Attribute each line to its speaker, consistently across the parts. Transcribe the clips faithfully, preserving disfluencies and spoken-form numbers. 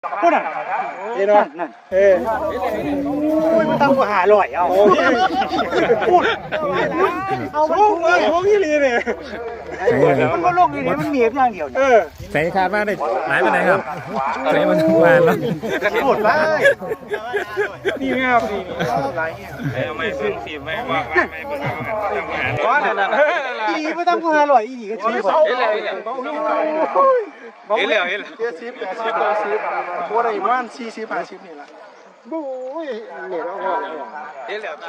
Speaker 1: พูดน่ะเห็นไหมนั่นเอออุ้ยมันตั้งกว่าหาลอยเอาพูดเอาพวกเลยพวกนี้เลยเนี่ยมันก็ลงนี่มันเหนียบอย่างเดียวเออ
Speaker 2: ใส่คาดว่าได้หลายไปไหนครับใส่มันทุกวันแล้ว
Speaker 1: หมดไปนี่ไงครับนี่ไรเงี้ย
Speaker 3: เอาไม่ซึ่งสีไม่ว่าไม่เป็นทำงาน
Speaker 1: ก้อนนั่นอีดีไม่ตั้งกว่าหาลอยอีดีก็ชี้บอก
Speaker 3: เห็นแล้วเห็นแล้วเห็นแล้ว
Speaker 1: เจ็ดสิบแปดสิบเก้าสิบโคตรอีมันสี่สิบห้าสิบนี่แหละบู๊ยเหนียวเอา
Speaker 3: เห็นแล้ว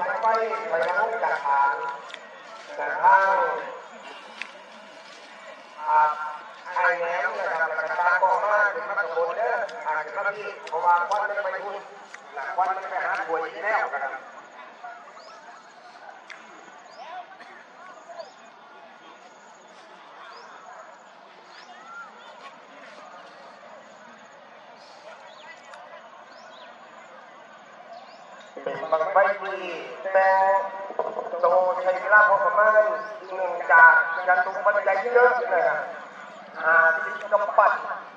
Speaker 4: ไอ้แหนมนะครับกระตากองมากเป็นมันโดนเด้ออาจจะทำที่เพราะว่าควันมันไปทุ่นควันมันไปหาป่วยแนวกันเป็นบางใบดีแต่โตใช้เวลาพอประมาณหนึ่งจากการตุ้มปัจจัยเยอะนะครับหาที่กำปั้น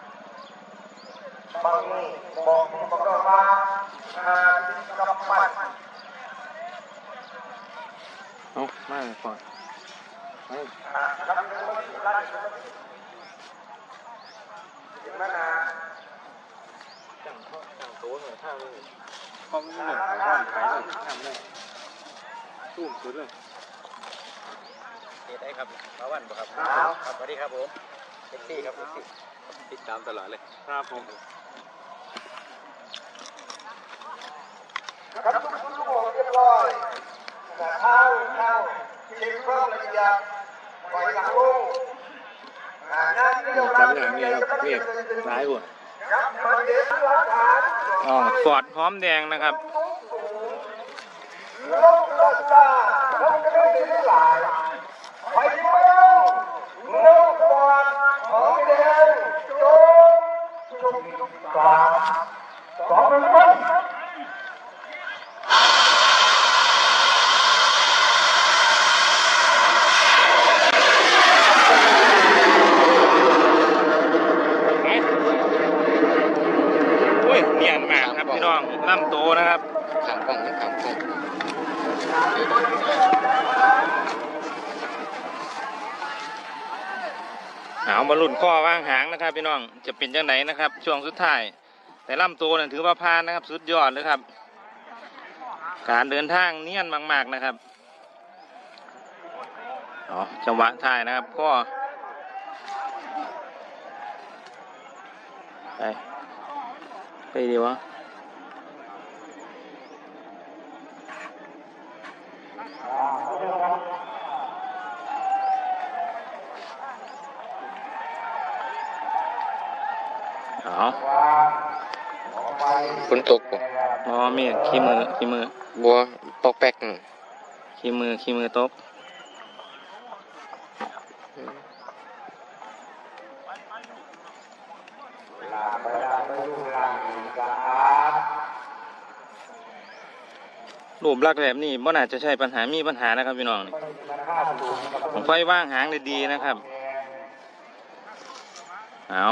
Speaker 4: บางนี่บอกบอกว่าหาที่กำปั้น
Speaker 3: เอามาก่อน
Speaker 4: ครับร้านเห็นไหมนะ
Speaker 3: จังเขาจังโต้หน่อยท่าเลยห้องนี้หนึ่งห้องขายเลยทำเลยตู้มสุดเลยเฮ็ดได้ครับมาวันบ่ครับครับสวัสดีครับผมเอ็กซี่ครับเอ็กซี่ติดตามตลอดเลยครับผม
Speaker 4: ครับทุกคนทุกคนเรียบร้อยข้าวข้าวเช็คเครื่องละเอียดปล่อยหลังลงงานที่เราทำอย่างนี้ครับเรียบร้อยหมด
Speaker 3: อ๋อฟอร์ดหอมแดงนะครับ
Speaker 4: ลงราคาลงกันได้หลายไปเมืองลงฟอร์ดหอมแดงจงจุดสามสองหนึ่งไป
Speaker 3: เนียนมากครับพี่น้องล่ำโตนะครับขางกล้องขางกล้องเอามาลุ่นข้อว่างหางนะครับพี่น้องจะเป็นยังไงนะครับช่วงสุดท้ายแต่ล่ำโตเนี่ยถือว่าพานนะครับสุดยอดเลยครับการเดินทางเนียนมากๆนะครับอ๋อจังหวะท้ายนะครับข้อไปไปดีวะอ๋อ
Speaker 5: ฝนตกบ่
Speaker 3: อ๋อมีขี้มือขี้มือ
Speaker 5: บัวปอกแป๊ก
Speaker 3: ขี้มือขี้มือตกรูปลักษณ์แบบนี้มันอาจจะใช่ปัญหามีปัญหานะครับพี่น้องนี่ผมไฟว่างหางได้ดีนะครับเอา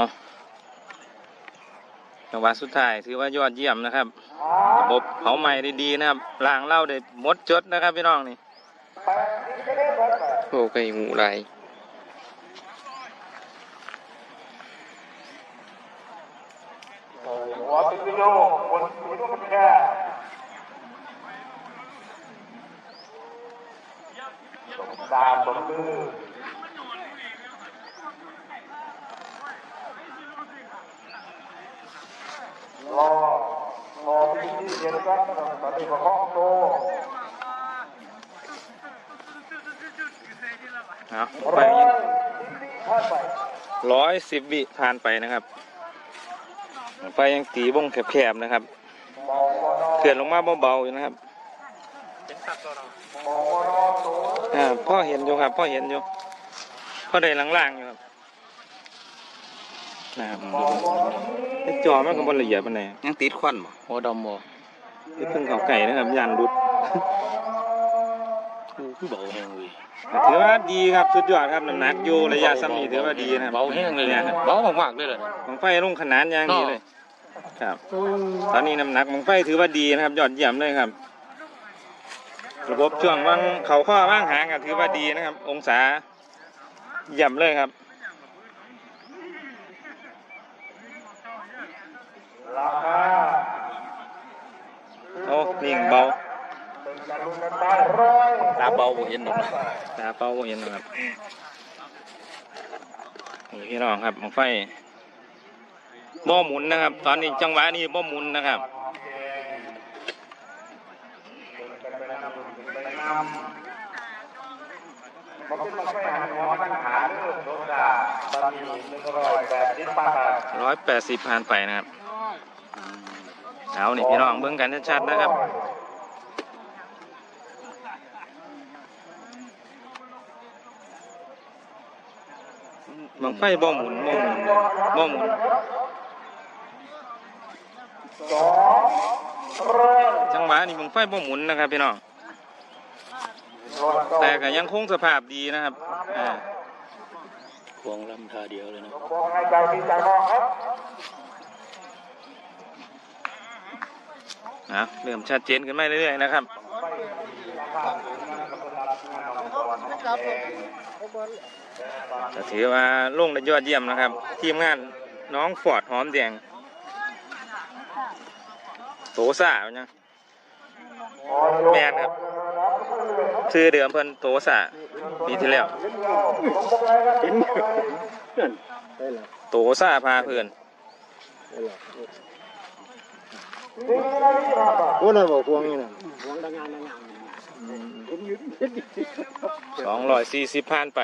Speaker 3: จังหวะสุดท้ายถือว่ายอดเยี่ยมนะครับระบบเผาไหม้ได้ดีนะครับล้างเหล้าได้หมดจดนะครับพี่น้องนี่
Speaker 5: โอ้ไก่หูไร
Speaker 4: หัวติดโยกบนหัวมันแค่ตาบนมือรอรอที่ที่เย็นกันตอนนี้ก็ห้องโต
Speaker 3: เอาไปร้อยสิบวิผ่านไปนะครับไฟยังตีวงแคบๆนะครับเขื่อนลงมาเบาๆอยู่นะครับอ่าพ่อเห็นอยู่ครับพ่อเห็นอยู่พ่อได้ล่างๆอยู่ครับนะครับจอมันก็บนละเอียดมันไหน
Speaker 5: ยังติดควันบ่โอ้ดำบ่
Speaker 3: เพิ่งเขาไก่นะครับยันรุด
Speaker 5: คือเบาแห้งเลย
Speaker 3: ถือว่าดีครับสุดยอดครับน้ำหนักอยู่ระยะซ้ำนี้ถือว่าดีนะ
Speaker 5: เบาแห้งเลยเนี่ยเบามากๆเลยเลย
Speaker 3: ของไฟลงขนาดอย่างนี้เลยครับตอนนี้น้ำหนักบังไฟถือว่าดีนะครับยอดเยี่ยมเลยครับระบบช่วงว่างเขาข้อว่างหางก็ถือว่าดีนะครับองศาเยี่ยมเลยครับโอ้นิ่งเบาตาเบาบ่เห็นหรอกตาเบาบ่เห็นนะครับนี่พี่น้องครับบังไฟบ่หมุนนะครับตอนนี้จังหวะนี้บ่หมุนนะครับร้อยแปดสิบผ่านไปนะครับเอานี่พี่น้องเบิ่งกันชัดๆนะครับบังไฟบ่หมุนบ่หมุนบ่หมุนจังหวะนี้บังไฟบ่หมุนนะครับพี่น้องแต่ก็ยังคงสภาพดีนะครับอ่าควงลำท่าเดียวเลยนะนะเริ่มชัดเจนขึ้นมาเรื่อยๆนะครับจะถือว่าลงได้ยอดเยี่ยมนะครับทีมงานน้องฟอร์ดหอมแดงโตซ่าเนี่ยแมนครับชื่อเดิมเพิ่นโตซ่าปีที่แล้วโตซ่าพาเพื่อน
Speaker 1: โอ้น่าบอกพวงนี่นะ
Speaker 3: สองร้อยสี่สิบพันไป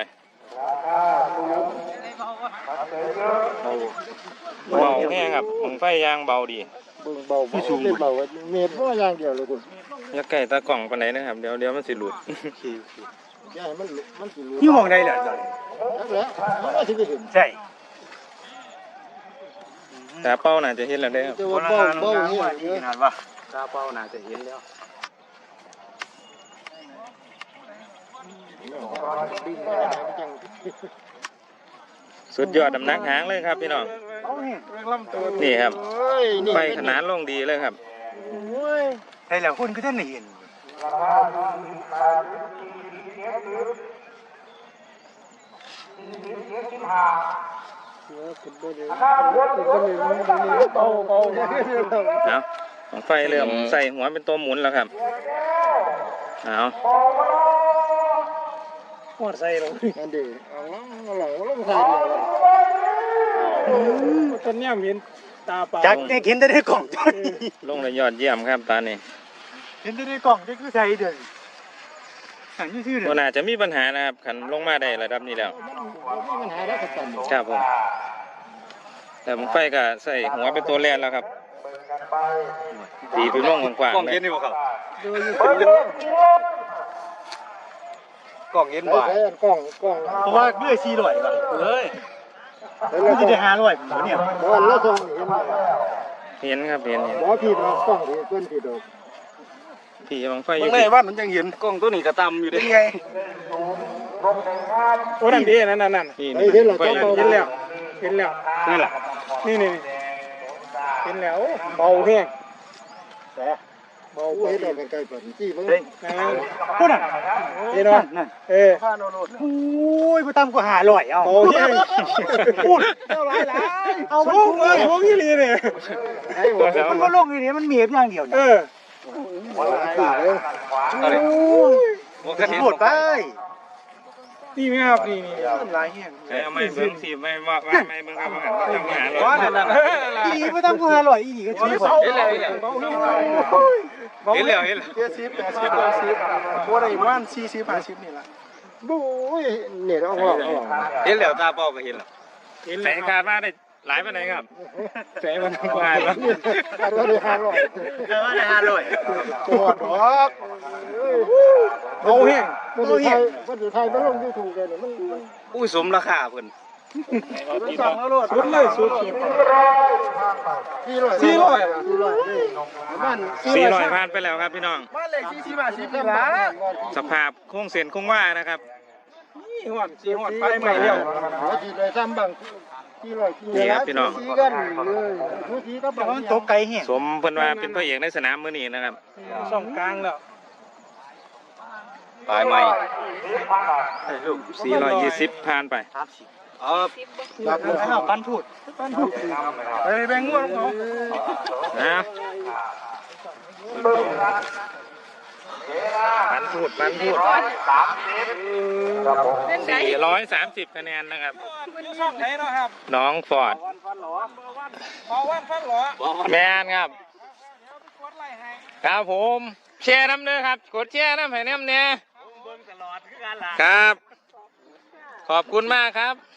Speaker 3: เบาแห้งครับผมไฟยางเบาดี
Speaker 1: เบาไม่สูงเบาเมตรเพราะยางเดียวเลยคุณ
Speaker 3: อย่าใกล้ตากล่องปานไหนนะครับเดี๋ยวเดี๋ยวมันสิหลุด
Speaker 1: ใช่มันมันสิหลุด
Speaker 2: นี่มองได้เหรอจ๊ะ
Speaker 1: แล้วแล้วที่ไปเห็น
Speaker 2: ใช่
Speaker 3: ตาเป้าน่าจะเห็นแล้วได้ครับ
Speaker 1: เบาเบานี่
Speaker 2: ขนาดว่าตาเป้าน่าจะเห็นแล้ว
Speaker 3: สุดยอดดำนักหางเลยครับพี่น้องนี่ครับไฟขนาดลงดีเลยครับ
Speaker 2: ไอ้แล้วคุณก็ท่านเห็น
Speaker 3: เอาของไฟเริ่มใส่หัวเป็นตัวหมุนแล้วครับเอา
Speaker 2: หัวใส่ลง
Speaker 1: นั่นดิเอาหลังลงใส่
Speaker 2: เลยตอนนี้เห็นตาเปล่าจักเนี่ยเห็นได้ในกล่องจน
Speaker 3: ลงเลยยอดเยี่ยมครับตอนนี้
Speaker 2: เห็นได้ในกล่องจะคือใส่เดินหันชื่อเดิน
Speaker 3: น่าจะมีปัญหานะครับขันลงมาได้ระดับนี้แล้วครับผมแต่ผมไฟก็ใส่หัวเป็นตัวแรกแล้วครับตีเป็นร่องกว้างๆ
Speaker 2: กล่องเย็นนี่บ่ครับกล่องเย็นบ่
Speaker 1: กล่องกล่อง
Speaker 2: เพราะว่าเบื่อซีร่อยก่อนเลยแล้วจะได้หาร่อยผมเนี่ย
Speaker 1: บอลแล้วส่ง
Speaker 3: เห็นครับเห็นเห็น
Speaker 1: บอลผิดกล่องเพื่อนผิดดอก
Speaker 3: พี่บังไฟอยู่
Speaker 2: ในบ้านมันยังเห็นกล้องตัวนี้กระตำอยู่ได้ไงโอ้นั่นดีนั่นนั่นนั่น
Speaker 3: เห็น
Speaker 2: แล้วเห็นแล้วเห็นแล้วนั่นแหละนี่นี่เห็นแล้วเบาแห้ง
Speaker 1: แต่เบาเห็นได้เป็นไก่ปั่นจี้มึง
Speaker 2: พูดอ่ะเห็นว่าเออโอ้ยไปตามกูหาลอยเอา
Speaker 1: เบาแห้ง
Speaker 2: พูดเอาไรไรเอามันพุ่งเลยพุ่งยี่ลีเนี่ยมันก็ลงอย่างนี้มันเมียบอย่างเดียวเออหมดไปนี่ไม่ครับนี่นี่ลายเงี้ย
Speaker 3: เอาไม่เบิ้งสีไม่ว่าไม่เบิ้งครับทำงาน
Speaker 2: อีไม่ต้องกูหาลอยอีก็ชี้ผม
Speaker 3: เห็นแล้วเห็นแล้วเห็นแล้ว
Speaker 2: เจ็ดสิบแปดสิบเก้าสิบโอ้ได้วันสี่สิบห้าสิบนี่ละ
Speaker 1: บู๊เนี่ยเอาหัว
Speaker 3: เห็นแล้วตาเป้าก็เห็นแล้วแสงขาดมาได้หลายไปไหนครับแสงมันกวาดแล้ว
Speaker 1: ขาดว่าได้ห้าร้อย
Speaker 2: ขาดว่าได้ห้าร้อย
Speaker 1: ปวดหรอก
Speaker 2: โอ้ยโอ้ย
Speaker 1: วันสุดท้ายมันลงยูทูบเลยมัน
Speaker 3: อุ้ยสมราคาเพิ่น
Speaker 2: สุดเลยสุด
Speaker 1: สี่ร้อย
Speaker 2: สี่ร้อย
Speaker 3: สี่ร้อยผ่านไปแล้วครับพี่น้อง
Speaker 2: บ้านเลขที่สี่บาทสิบล้าน
Speaker 3: สภาพโค้งเส้นโค้งว่านะครับ
Speaker 2: นี่หอดสี่หอดไปใหม่เดียว
Speaker 1: จีเลยซ้ำบัง
Speaker 5: นี่ครับพี่น้อง
Speaker 2: สีกันเลยทุกทีก็บอกว่ามันตกไกลเหี้ย
Speaker 5: สมเพิ่นว่าเป็นพระเอกในสนามมื้อนี้นะครับ
Speaker 1: ช่องกลางแล้ว
Speaker 5: ปลายใหม่สี่ร้อยยี่สิบผ่านไป
Speaker 2: แบบนั้นเอาปันพูดปันพูด
Speaker 1: ไปแบ่งงวดของ
Speaker 5: นะปันพูดปันพูดสี่ร้อยสามสิบคะแนนนะครับ
Speaker 1: ช่องไหนเนาะครับ
Speaker 5: น้องฟอร์ด
Speaker 1: เบาวันฟันหรอ
Speaker 5: แมนครับ ครับผมแชร์น้ำเด้อครับ กดแชร์น้ำให้น้ำเนี่ยครับ ขอบคุณมากครับ